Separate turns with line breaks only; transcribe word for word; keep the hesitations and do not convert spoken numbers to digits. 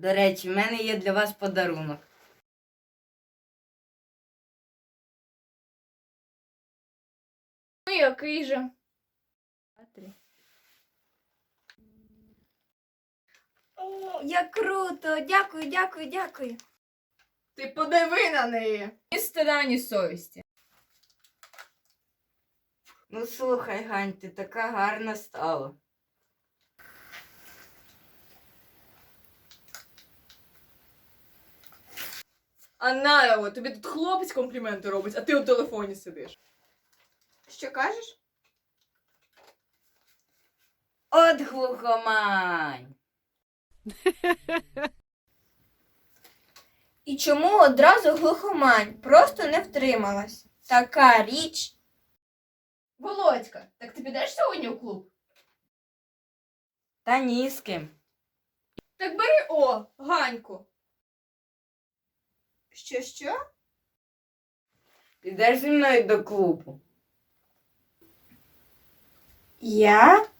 До речі, в мене є для вас подарунок.
Ну який же?
О, як круто! Дякую, дякую, дякую.
Ти подиви на неї. Ні стида, ні совісті.
Ну слухай, Гань, ти така гарна стала.
А на його, тобі тут хлопець компліменти робить, а ти у телефоні сидиш. Що кажеш?
От глухомань!
І чому одразу глухомань? Просто не втрималась. Така річ.
Володька, так ти підеш сьогодні у клуб?
Та ні з ким.
Так бери о, Ганьку.
Що, що?
Підеш зі мною до клубу?
Я?